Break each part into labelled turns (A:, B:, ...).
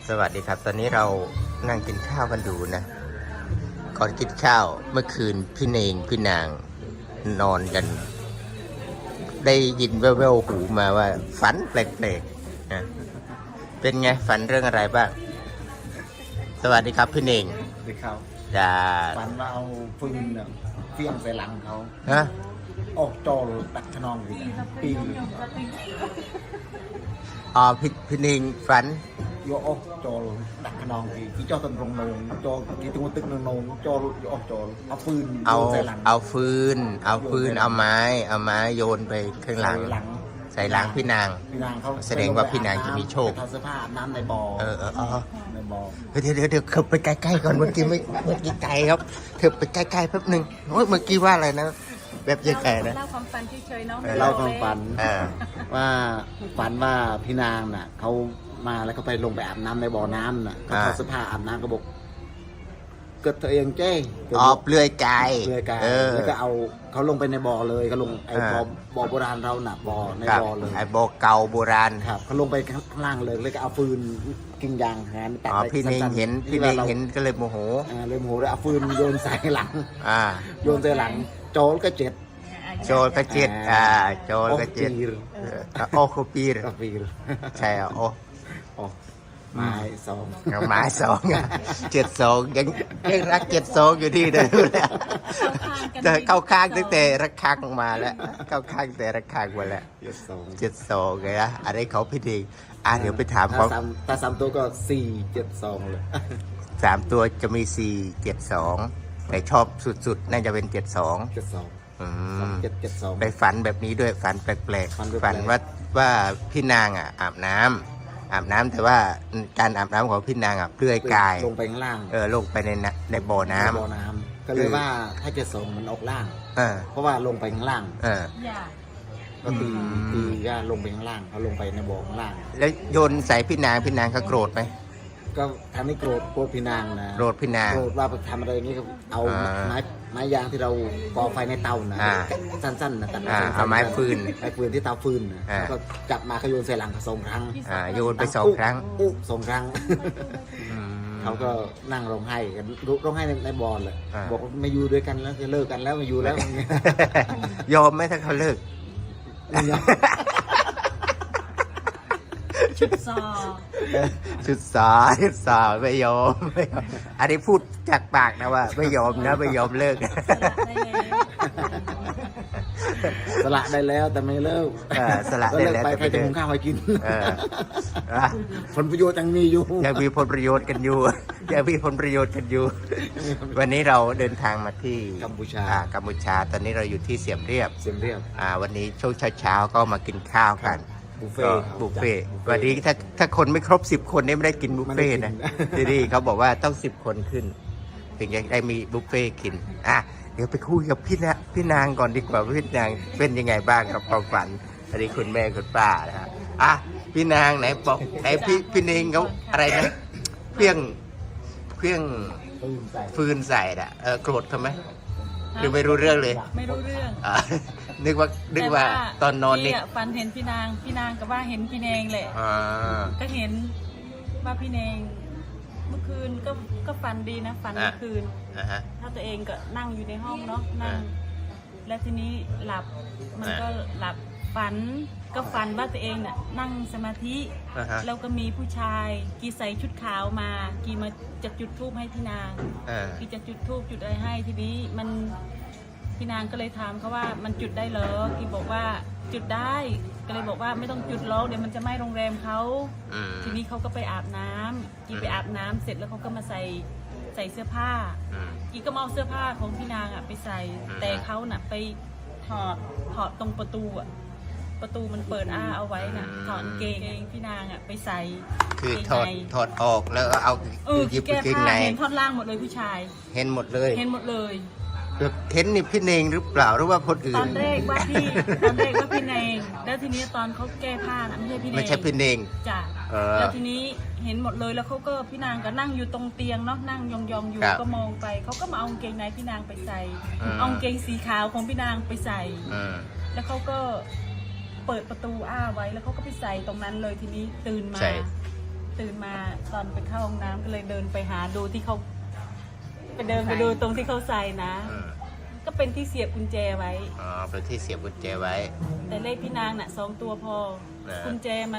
A: สวัสดีครับตอนนี้เรานั่งกินข้าวกันอยู่นะก่อนกินข้าวเมื่อคืนพี่เนงพี่นางนอนกัน ได้ยินแว่วๆหูมาว่าฝันแปลกๆนะเป็นไงฝันเรื่องอะไรบ้างสวัสดีครับพี่เนง
B: ไปเขา
A: จะ
B: ฝันว่าเอาฟืนเนี่ยเฟี้ยงใส่หลังเขา
A: ฮะ
B: ออกจอตักขนองอยู่ปี
A: อ๋อพี่เนงฝัน
B: โยออกจอตักขนองที่เจ้าตนรงนงจอที่ตัวตึกนงจอโยออกจอเอาฟืนโยนใส่หลัง
A: เอาฟืนเอาไม้โยนไปข้างหลังใส่หลังพี่นาง
B: เขา
A: แสดงว่าพี่นางจะมีโชค
B: ทำเสื้อผ้าอาบน้ำในบ่อในบ่อ
A: เดี๋ยวเธอไปใกล้ๆก่อนเมื่อกี้ไกลครับเธอไปใกล้ๆแป๊บหนึ่งเมื่อกี้ว่าอะไรนะแบบยังไงนะ
C: เล่าความฝันเฉยๆเนาะ
B: เล่าความฝันว่าฝันว่าพี่นางน่ะเขามาแล้วเขาไปลงไปอาบน้ำในบ่อน้ำน่ะเขาถอดเสื้อผ้าอาบน้ำกระบอกเกิดตัวเองเจ้
A: เปลือยกาย
B: แล้วก็เอาเขาลงไปในบ่อเลยเขาลงไอ้บ่อโบราณเราหนักบ่อในบ่อเลย
A: ไอ้บ่อเก่าโบราณ
B: ครับเขาลงไปข้างล่างเลยแล้วก็เอาฟืนกิ่งยางหันตัด
A: พี่เนงเห็นก็เลยโมโห
B: เลยโมโหเลยเอาฟืนโยนใส่หลังโยนใส่หลังโจรก็เจ็ด
A: โจรก็เจ็ดโอคูปีร์ใช่โอ
B: ไม้สอง
A: 72ยังรัก72อยู่ที่เดิมแล้วจะเข้าข้างตั้งแต่รักข้างมาแล้วเข้าข้างแต่รักข้างมาแล้ว72ไงนะอะไรเขาพี่ดีเดี๋ยวไปถามเขา
B: ถ้า3 ตัวก็472เลย
A: 3 ตัวจะมี472แต่ชอบสุดๆน่าจะเป็น72ไปฝันแบบนี้ด้วยฝันแปลกๆฝันว่าพี่นางอาบน้ำแต่ว่าการอาบน้ำของพี่นางเปลือยกาย
B: ลงไปข้างล่าง
A: ลงไปในบ่อน้
B: ำก็เลยว่าถ้าจะส่งมันออกล่างเพราะว่าลงไปข้างล่างก็ตีก็ลงไปข้างล่างเขาลงไปในบ่อข้างล่าง
A: แล้วโยนใส่พี่นางเขาโกรธไหม
B: ก็ทำให้โกรธพี่นางนะ
A: โกรธพี่นาง
B: โกรธว่าทำอะไรอย่างนี้ก็เอาไม้ยางที่เราก่อไฟในเตานะสั้นๆนะตัด
A: เอาไม้ฟืน
B: ที่เตาฟืนก็จับมาเขาโยนใส่หลัง2 ครั้ง
A: โยนไป2 ครั้ง
B: 2 ครั้งเขาก็นั่งร้องไห้กันร้องไห้ในบ่อเลยบอกไม่อยู่ด้วยกันแล้วจะเลิกกันแล้วไม่อยู่แล้ว
A: ยอมไหมถ้าเขาเลิก
C: ชุดซอ
A: ไม่ยอมอันนี้พูดจากปากนะว่าไม่ยอมเลิก
B: สละได้แล้วแต่ไม่เลิก
A: สละได้แล้ว
B: ไปใครจะหุงข้าวให้กินผลประโยชน์ยังมีอยู่
A: ยังมีผลประโยชน์กันอยู่วันนี้เราเดินทางมาที่
B: กัมพูชา
A: ตอนนี้เราอยู่ที่เสียมเรียบวันนี้ช่วงเช้าก็มากินข้าวกัน
B: บุฟเฟ่
A: วันนี้ถ้าคนไม่ครบ10 คนนี่ไม่ได้กินบุฟเฟ่นะที่นี่เขาบอกว่าต้อง10 คนขึ้นถึงจะได้มีบุฟเฟ่กินเดี๋ยวไปคุยกับพี่นางก่อนดีกว่าพี่นางเป็นยังไงบ้างกับความฝันอันนี้คุณแม่คุณป้านะฮะพี่นางไหนบอกพี่เนงเขาอะไรนะเพี้ยงฟืนใส่โกรธเขาไหมหรือไม่รู้เรื่องเลย
C: ไม่รู้เรื่อง
A: นึกว่าตอนนอนนี่
C: ฝันเห็นพี่นางกับว่าเห็นพี่เนงแหละก็เห็นว่าพี่เนงเมื่อคืนก็ฝันดีนะฝันเมื่อคืนถ้าตัวเองก็นั่งอยู่ในห้องเนาะนั่งแล้วทีนี้หลับมันก็หลับฝันว่าตัวเองน่ะนั่งสมาธิแล้วก็มีผู้ชายกีใส่ชุดขาวมากีมาจะจุดธูปให้พี่นางกีจะจุดธูปจุดอะไรให้ทีนี้มันพี่นางก็เลยถามเขาว่ามันจุดได้เหรอกีบอกว่าจุดได้ก็เลยบอกว่าไม่ต้องจุดล้อเดี๋ยวมันจะไหม้โรงแรมเขาทีนี้เขาก็ไปอาบน้ำกีไปอาบน้ำเสร็จแล้วเขาก็มาใส่เสื้อผ้ากีก็เอาเสื้อผ้าของพี่นางไปใส่แต่เขาน่ะไปถอดตรงประตูมันเปิดเอาไว้น่ะถอดเกงพี่นางไปใส่
A: คือถอดออกแล้วเอา
C: หยิบเกงในเห็นท่อนล่างหมดเลยผู้ชาย
A: เห็นหมดเลย
C: เห็น
A: นี่พี่เนงหรือเปล่าหรือว่าคนอื่น
C: ตอนแรกว่าพี่เนงแล้วทีนี้ตอนเขาแก้ผ้าน่ะไม่ใช่พี่เนงจ้ะแล้วทีนี้เห็นหมดเลยแล้วเขาก็พี่นางก็นั่งอยู่ตรงเตียงเนาะนั่งยองๆอยู่ก็มองไปเขาก็มาเอากางเกงในพี่นางไปใส่เอากางเกงสีขาวของพี่นางไปใส่แล้วเขาก็เปิดประตูไว้แล้วเขาก็ไปใส่ตรงนั้นเลยทีนี้ตื่นมาตื่นมาตอนไปเข้าห้องน้ำก็เลยเดินไปหาดูที่เขาไปเดินไปดูตรงที่เขาใส่นะ ก็เป็นที่เสียบกุญแจไว้
A: อ๋อเป็นที่เสียบกุญแจไว้
C: แต่เลขพี่นางน่ะ2 ตัวพอ กุญแจมัน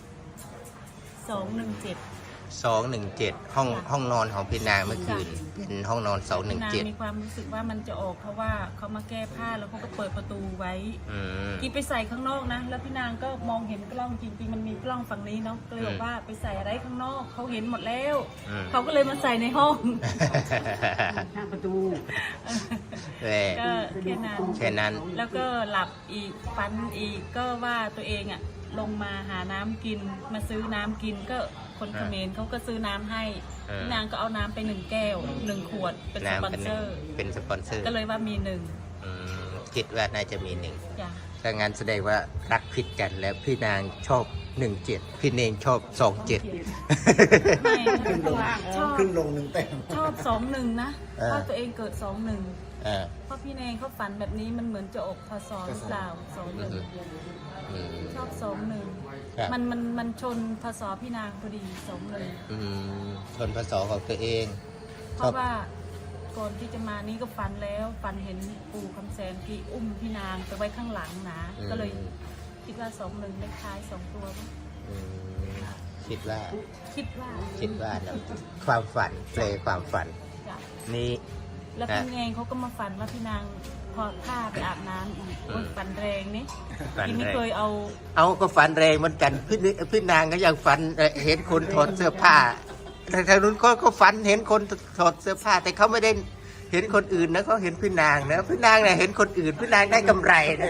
C: 217
A: 217ห้องนอนของพี่นางเมื่อคืนเป็นห้องนอน
C: พี่นางมี
A: 217
C: ความรู้สึกว่ามันจะออกเพราะว่าเขามาแก้ผ้าแล้วเขาก็เปิดประตูไว้
A: อืม
C: กีไปใส่ข้างนอกนะแล้วพี่นางก็มองเห็นกล้องจริงๆมันมีกล้องฝั่งนี้เนาะก็เลยบอกว่าไปใส่อะไรข้างนอกเขาเห็นหมดแล้วเขาก็เลยมาใส่ในห้อง
D: หน้าประตู
A: แหม่
C: ก็แค่นั้น
A: แค่นั้น
C: แล้วก็หลับอีกฝันอีกก็ว่าตัวเองอะลงมาหาน้ำกินมาซื้อน้ำกินก็คนเขมรเขาก็ซื้อน้ำให้พี่นางก็เอาน้ำไป1 แก้ว1 ขวดเป็นสปอนเซอร์
A: เป็นสปอนเซอร์
C: ก็เลยว่ามี1
A: อืมคิดว่าน่าจะมี1
C: จ้ะ
A: ถ้างั้นแสดงว่ารักผิดกันแล้วพี่นางชอบ 17 พี่เนงชอบ 27
C: ไม่ชอบ
B: ขึ้นลงหนึ่งแต้ม
C: ชอบ21นะเพราะตัวเองเกิด21
A: อ่า
C: เพราะพี่เนงเขาฝันแบบนี้มันเหมือนจะออกพศหรือเปล่า21
A: อืม
C: ชอบ
A: ครับ
C: 21มันชนพศพี่นางพอดี21
A: อืมชนพศของตัวเอง
C: เพราะว่าก่อนที่จะมานี่ก็ฝันแล้วฝันเห็นปู่คำแสนที่อุ้มพี่นางไปไว้ข้างหลังนะก็เลยคิดว่า21เลขท้าย2 ตัวมั้ง
A: อืมคิดว่า
C: คิดว่า
A: นะความฝันเพลงความฝัน
C: จ้ะ
A: นี่
C: แล้วพี่เองเขาก็มาฝันว่าพี่นางถอดผ้าไปอาบน้ำอีกโอ้ยฝันแรงนี่
A: ฝัน
C: พี่ไม่
A: แรง
C: เคยเอา
A: เอาก็ฝันแรงเหมือนกันพี่นางก็ยังฝันเห็นคนถอดเสื้อผ้าแต่ทางนู้นก็ฝันเห็นคนถอดเสื้อผ้า แต่เขาไม่ได้เห็นคนอื่นนะเขาเห็นพี่นางนะพี่นางเนี่ยเห็นคนอื่นพี่นางได้กำไรนะ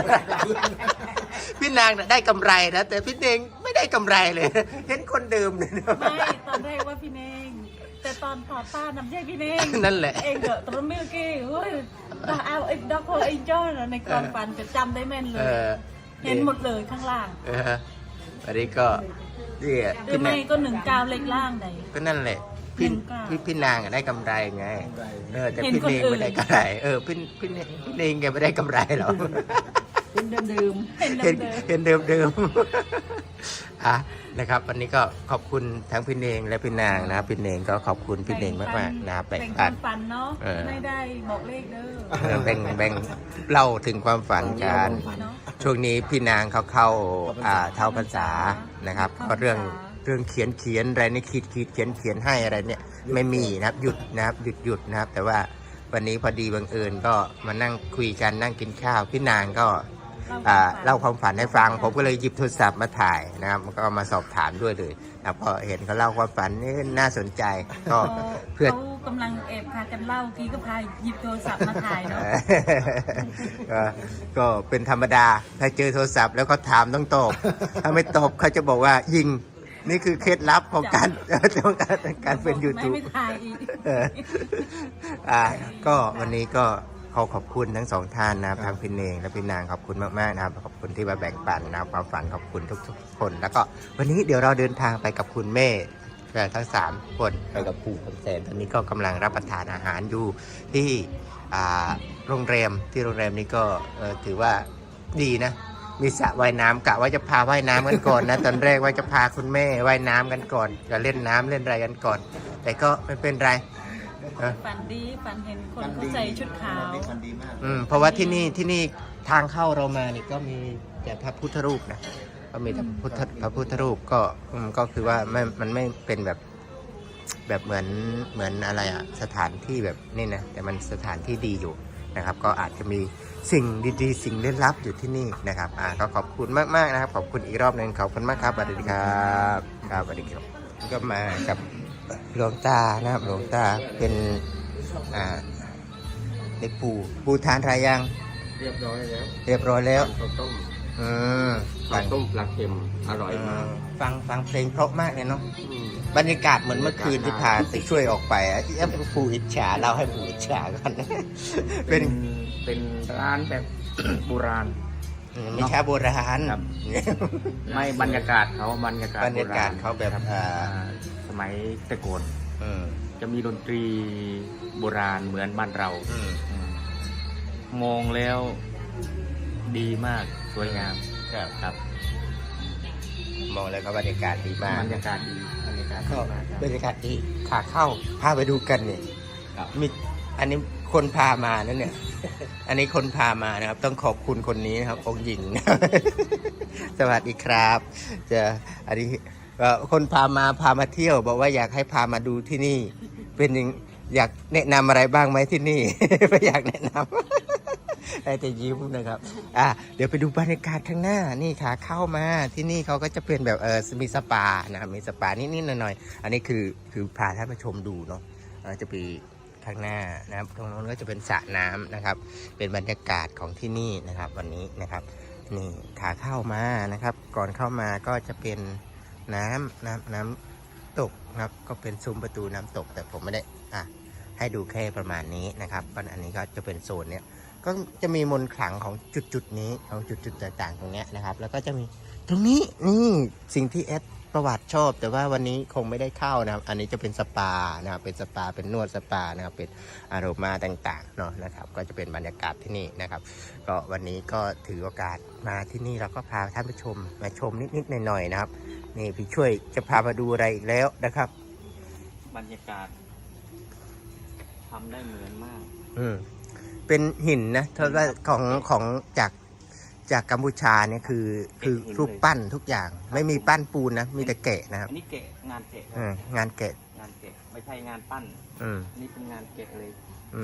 A: พี่นางน่ะได้กำไรนะแต่พี่เนงไม่ได้กำไรเลย เห็นคนเดิมเลยนะ
C: ไม่ตอนแรกว่าพี่เนงแต่ตอนถอดผ้านำใจพี่เนง
A: นั่นแหละ
C: เองเดอะตรมิลกี้เฮ้ยตาเอาไอ้ด็อกโคไอ้จ้อนในความฝันจะจำได้แม่นเล
A: เอย อ
C: เห็นหมดเลยข้างล่าง
A: อันนี้ก็นี่
C: หรือไม่ก็19เลขล่างใด
A: ก็นั่นแหละพี่
C: 19
A: พี่นางอะได้กำไรไงแต่
C: เห็น
A: พี่
C: คน
A: เนง
C: อื่น
A: ไม่ได้กำไรพี่เนงแกไม่ได้กำไรหรอก
D: เป็นเดิม
C: เห็น
A: เห็น
C: เดิม
A: เห็นเดิมๆ อ่ะนะครับ วันนี้ก็ขอบคุณทั้งพี่เนงและพี่นางนะครับพี่เนงก็ขอบคุณพี่เนงมากๆนะครับ
C: แบ่
A: แบ่
C: ง
A: ง
C: ค
A: ปั
C: วาน มฝันเนาะ
A: เออ
C: ไม่ได้บอกเลขเด้อ
A: แบ่งเล่าถึงความฝันกัน
C: เนาะ
A: ช่วงนี้พี่นางเขาเข้าเท่าพรรษานะครับก็เรื่องเขียนอะไรนี่ขีดเขียนให้อะไรเนี่ยไม่มีนะครับหยุดนะครับหยุดนะครับ แต่ว่าวันนี้พอดีบังเอิญก็มานั่งคุยกันนั่งกินข้าวพี่นางก็เล่าความฝันให้ฟัง ผมก็เลยหยิบโทรศัพท์มาถ่ายนะครับก็มาสอบถามด้วยเลยนะพอเห็นเขาเล่าความฝันนี่น่าสนใจก็เพื่อ
C: เขากำลังแอบพากันเล่ากี้ก็พาหยิบโทรศัพท์มาถ่ายเนาะ
A: ก็เป็นธรรมดาถ้าเจอโทรศัพท์แล้วก็ถามต้องตอบ ถ้าไม่ตอบเขาจะบอกว่ายิงนี่คือเคล็ดลับของการ การเป็น YouTube
C: ไม่ถ่ายอีก
A: ก็วันนี้ก็ขอบคุณทั้งสองท่านนะครับทั้งพี่เนงและพี่นางขอบคุณมากๆนะครับขอบคุณที่มาแบ่งปันนะครับความฝันขอบคุณทุกๆคน แล้วก็วันนี้เดี๋ยวเราเดินทางไปกับคุณแม่ทั้ง3คนไปกับปู่คำแสนตอนนี้ก็กำลังรับประทานอาหารอยู่ที่โรงแรมนี้ก็ถือว่าดีนะมีสระว่ายน้ำกะว่าจะพาว่ายน้ำกันก่อนนะ ตอนแรกว่าจะพาคุณแม่ว่ายน้ำกันก่อนจะเล่นน้ำเล่นอะไรกันก่อน แต่ก็ไม่เป็นไร
C: ฝันดีฝันเห็นคนเขาใส่ชุดขาว
B: ฝันดีมาก
A: เพราะว่าที่นี่ทางเข้าเรามานี่ก็มีแต่พระพุทธรูปนะก็มีแต่พระพุทธรูปก็คือว่ามันไม่เป็นแบบเหมือนอะไรอะสถานที่แบบนี่นะแต่มันสถานที่ดีอยู่นะครับ ก็อาจจะมีสิ่งดีๆสิ่งลึกลับอยู่ที่นี่นะครับก็ขอบคุณมากๆนะครับขอบคุณอีกรอบหนึ่งขอบคุณมากครับสวัสดีครับสวัสดีครับก็มากับหลวงตานะครับหลวงตาเป็นเด็กปู่ทานอะไรยัง
E: เรียบร้อยแล้ว
A: เรียบร้อยแล้ว
E: ข้าวต้ม
A: ฟั
E: ข้าวต้มปลาเค็มอร่อยมาก
A: ฟังเพลงเพราะมากเลยเนาะ
E: อืม
A: บรรยากาศเหมือนเมื่อคืนที่พาไปช่วยออกไปปู่อิจฉาเราให้ปู่อิจฉากัน
E: เป็นร้านแบบ โบราณ
A: ไม่ใช่โบราณ
E: ครับ ไม่บรรยากาศเขาบรรยากาศ
A: บรรยากาศเขาแบบ
E: สมัยแต่ก่อน
A: อืม
E: จะมีดนตรีโบราณเหมือนบ้านเรา
A: อืม
E: อืมมองแล้วดีมากสวยงาม
A: ครับ
E: ครับ
A: มองแล้วก็บรรยากาศดีมาก
B: บรรยากาศดีบรรยากาศ
A: ก็
B: ดีมากครับ
A: บรรยากาศดีขาเข้าพาไปดูกันเนี่ย
B: ครับ
A: มีอันนี้คนพามานั่นเนี่ย อันนี้คนพามานะครับ ต้องขอบคุณคนนี้นะครับองค์หญิง สวัสดีครับจะอันนี้คนพามาเที่ยว บอกว่าอยากให้พามาดูที่นี่ เป็นยังอยากแนะนำอะไรบ้างไหมที่นี่ ไม่อยากแนะนำ แต่ยิ้มนะครับเดี๋ยวไปดูบรรยากาศข้างหน้านี่ขาเข้ามาที่นี่เขาก็จะเป็นแบบมีสปานะครับมีสปานิดๆหน่อยๆอันนี้คือพาท่านผู้ชมดูเนาะจะไปข้างหน้านะครับตรงนู้นก็จะเป็นสระน้ำนะครับ เป็นบรรยากาศของที่นี่นะครับ วันนี้นะครับนี่ขาเข้ามานะครับ ก่อนเข้ามาก็จะเป็นน้ำตกนะครับก็เป็นซุ้มประตูน้ำตกแต่ผมไม่ได้ให้ดูแค่ประมาณนี้นะครับอันนี้ก็จะเป็นโซนเนี้ยก็จะมีมนต์ขลังของจุดนี้ของจุดต่างๆตรงเนี้ยนะครับแล้วก็จะมีตรงนี้นี่สิ่งที่ประวัติชอบแต่ว่าวันนี้คงไม่ได้เข้านะครับอันนี้จะเป็นสปานะครับเป็นสปาเป็นนวดสปานะครับเป็นอารมาต่างๆเนาะนะครับก็จะเป็นบรรยากาศที่นี่นะครับก็วันนี้ก็ถือโอกาสมาที่นี่เราก็พาท่านผู้ชมมาชมนิดๆหน่อยๆนะครับนี่พี่ช่วยจะพามาดูอะไรอีกแล้วนะครับ
E: บรรยากาศทำได้เหมือนมาก
A: เป็นหินนะเพราะว่าของจากกัมพูชาเนี่ยคือรูปปั้นทุกอย่างไม่มีปั้นปูนนะมีแต่แกะนะครับ
E: อันนี้แกะงานแกะ
A: งานแกะ
E: งานแกะไม่ใช่งานปั้นอันนี้เป็นงานแกะเลย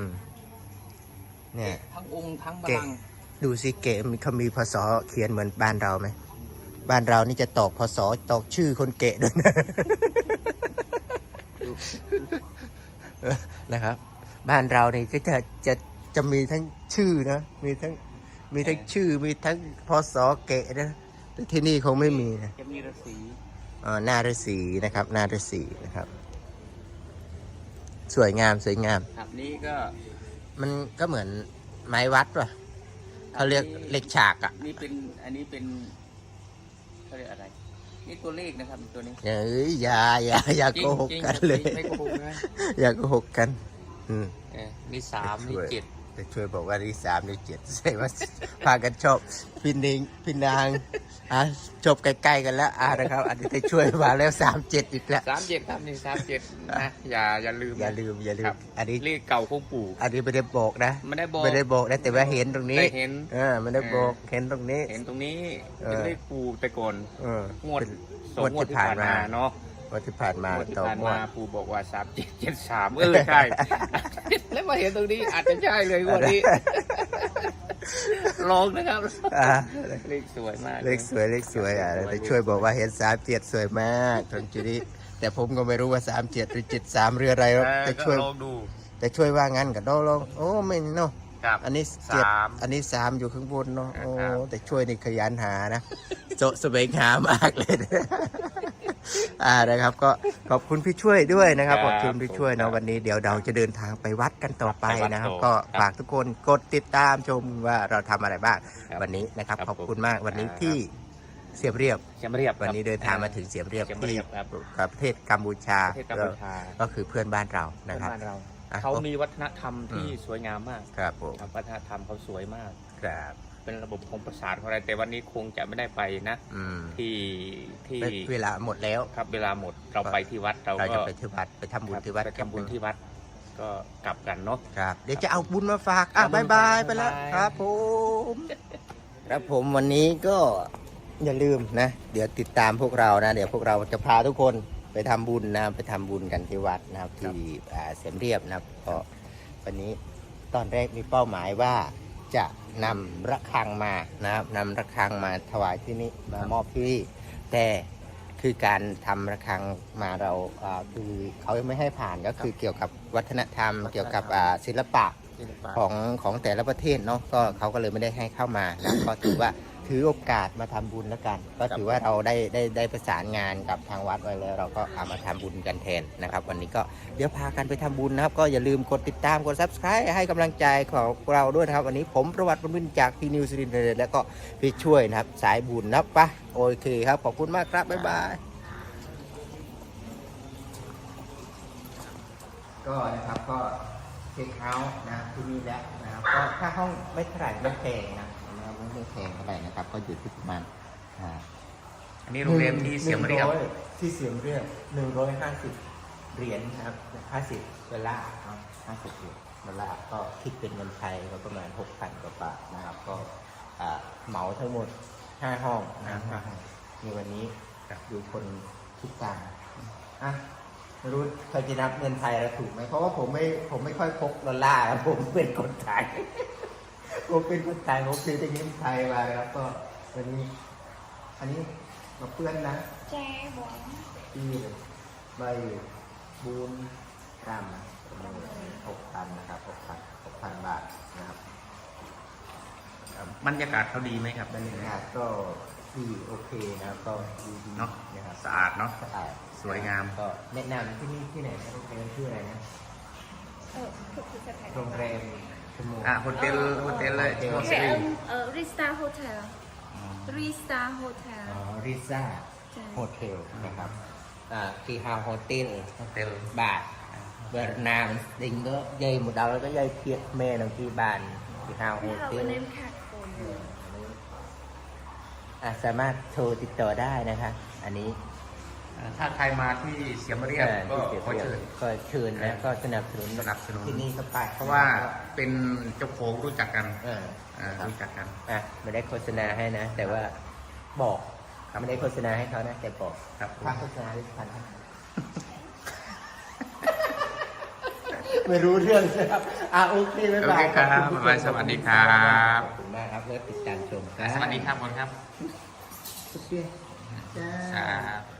A: เนี่ย
E: ทั้งองค์ทั้งบัลลังก์
A: ดูสิเกะเขามีพศเขียนเหมือนบ้านเราไหมบ้านเรานี่จะตอกพศตอกชื่อคนเกะด้วยนะ นะครับบ้านเรานี่ก็จะมีทั้งชื่อนะมีทั้งชื่อมีทั้งพศเกะนะแต่ที่นี่คงไม่มีนะ
E: จะมีฤาษี
A: นาฤาษีนะครับนาฤาษีนะครับสวยงาม
E: ครับนี่ก็
A: มันก็เหมือนไม้วัดป่ะเขาเรียกเหล็กฉากอ่ะ
E: นี่เป็นอันนี้เป็นเขาเรียกอะไรนี่ตัวเลขนะครับตัวนี้
A: เอ้ยอย่าโกหกกันเลย
E: ไม่โกหกนะ
A: อย่าโกหกกัน
E: นี่3นี่7
A: จะช่วยบอกว่าที่3นี่7ใช่ว่าพากันชอบพี่นางจบใกล้ๆกันแล้วนะครับอันนี้จะช่วยมาแล้ว37อีกแล้ว
E: 37ครับนี่37นะอย่าลืม
A: อย่าลืม
E: ครับ
A: อันนี้
E: เลขเก่าของปู่
A: อันนี้ไม่ได้บอกนะ
E: ไม่ได้บอก
A: นะแต่ว่าเห็นตรงนี้
E: ได้เห็น
A: ไม่ได้บอกเห็นตรงนี้
E: เห็นตรงนี้เป็นเลขปู่แต่ก่อน งวด
A: เป็น
E: สองงวดที่ผ่านมาเนาะ
A: วันที่ผ่านมาง
E: วดที่
A: ต่อ
E: ผ่าน
A: งว
E: มา
A: ด
E: ปู่บอกว่า3773ใช่ แล้วมาเห็นตรงนี้อาจจะใช่เลยงวดนี้ ลองนะครับ เลขสวยมาก
A: เลขสวยแต่ช่วยบอกว่าเห็น37สวยมากตรงจุดนี้แต่ผมก็ไม่รู้ว่า37หรือ73เรืออะไรหรอกแต่ช่วย
E: ลองดู
A: แต่ช่วยว่างั้นกับลองโอ้ไม่เนาะ
E: ครับ
A: อันนี้ 7อันนี้3อยู่ข้างบนเนาะโอ้แต่ช่วยนี่ขยันหานะโจะแสวงหามากเลยนะครับก็ขอบคุณพี่ช่วยด้วยนะครับขอบคุณพี่ช่วยนะวันนี้เดี๋ยวเราจะเดินทางไปวัดกันต่อไปนะครับก็ฝากทุกคนกดติดตามชมว่าเราทำอะไรบ้างวันนี้นะครับขอบคุณมากวันนี้ที่เสียมเรียบ วันนี้เดินทางมาถึงเสียมเรียบที่ประเทศกัมพูชา
E: ประเทศกัมพูชา
A: ก็คือเพื่อนบ้านเรานะครับ
E: บ้านเราเขามีวัฒนธรรมที่สวยงามมาก
A: ครับผม
E: ครับวัฒนธรรมเขาสวยมาก
A: ครับ
E: เป็นระบบของประสาทของอะไรแต่วันนี้คงจะไม่ได้ไปนะ ที่
A: เวลาหมดแล้ว
E: ครับเวลาหมดเราไปที่วัดเรา
A: เรา
E: ก็
A: จะไปที่วัดไปทำบุญที่วัด
E: ไปทำบุญที่วัด ก็กลับกันเนาะ
A: ครับเดี๋ยวจะเอาบุญมาฝาก
E: เอาบุญ
A: บาย
E: มาฝาก
A: ไปแล้ว
E: บ๊ายบาย
A: ครับผมครับผมวันนี้ก็อย่าลืมนะ เดี๋ยวติดตามพวกเรานะ เดี๋ยวพวกเราจะพาทุกคนไปทำบุญนะไปทำบุญกันที่วัดนะครับที่เสียมเรียบนะครับก็วันนี้ตอนแรกมีเป้าหมายว่าจะนำระฆังมานะครับนำระฆังมาถวายที่นี่มามอบที่นี่แต่คือการทำระฆังมาเราคือเขายังไม่ให้ผ่านก็คือเกี่ยวกับวัฒนธรรม เกี่ยวกับศิลปะของแต่ละประเทศเนาะก็เขาก็เลยไม่ได้ให้เข้ามานะก็ถือว่าถือโอกาสมาทำบุญแล้วกัน ก็ถือว่าเราได้ประสานงานกับทางวัดไว้แล้วเราก็เอามาทำบุญกันแทนนะครับ วันนี้ก็เดี๋ยวพากันไปทำบุญนะครับ ก็อย่าลืมกดติดตามกด Subscribe ให้กำลังใจของเราด้วยนะครับ วันนี้ผมประวัติบุญจากที่นิวซีแลนด์แล้วก็พี่ช่วยนะครับสายบุญนะปะโอเคครับขอบคุณมากครับบ๊ายบายก็นะครับก็เช็คเอาท์นะครับที่นี่แล้วนะครับก็ค่าห้องไม่เท่าไหร่ไม่แพงนะไม่แพงเท่าไหร่นะครับก็อยู่ที่ประมาณ
E: อันนี้โรงแรมที่เสียมเรียบ
A: ที่เสียมเรียบ150 เหรียญนะครับ50 ดอลลาร์เนาะ50 เหรียญดอลลาร์ก็คิดเป็นเงินไทยก็ประมาณ 6,000 กว่าบาทนะครับ ก็เหมาทั้งหมด 5 ห้องนะ5ห้องในวันนี้ดูคนทุกการอ่ะไม่รู้ใครจะนับเงินไทยแล้วถูกไหมเพราะว่าผมไม่ค่อยพกดอลลาร์ครับผมเป็นคนไทย ผมเป็นคนไทยผมซื้อแต่เงินไทยมาแล้วก็วันนี้ อันนี้มาเพื่อนนะ
F: แจ้บอง
A: ที่ใบบูนกรัม6,000นะครับ6,000 บาทนะครับ
E: บรรยากาศเขาดีไหมครับ
A: บรรยากาศก็ดีโอเคนะครับก็ดี
E: เนาะ
A: นะครับ
E: สะอาดเนาะ
A: สะอาด
E: สวยงาม
A: ก็แนะนำที่นี่ที่ไหนนะโรงแรมชื่ออะไรนะ
F: คือจะถ่าย
A: โรงแรมชม
E: โฮเทลเลย
F: โอเคริสตาโฮเทลริสตาโฮเทล
A: อ๋อริซ่า
F: ใช่
A: โฮเทลนะครับที่ฮาวโฮเทล
E: โฮเทล
A: បាទបើណាមស្ទិញទៅយាយមកដល់ទៅយាយភៀកមេនឹងទីបានពីហៅហូ
F: ไม่เอา
A: ទីល
F: เนมแคทคน
A: สามารถโทรติดต่อได้นะคะอันนี้
E: ถ้าใครมาที่เสียมเรียบก็
A: ที่
E: ขอเชิญ
A: ก็เชิญนะก็สนับสนุน
E: สนับสนุน
A: ที่นี่ก็ไป
E: เพราะว่าเป็นเจ้าของรู้จักกัน
A: ครับ
E: รู้จักกัน
A: ไม่ได้โฆษณาให้นะ แต่ว่าบอกไม่ได้โฆษณาให้เขานะแต่บอก
E: ครับผม
A: ค่าโฆษณาได้พันไม่รู้เรื่องนะครับโอเคบ๊ายบาย
E: โอเคครับ
A: ขอณผู้ชม
E: บ๊ายบายสวัสดีครับ
A: ขอบคุณมากครับแล้วติดตามชมครับ
E: สวัสดีครับบอลครับ
A: สุดยอดจ้า
E: ครับ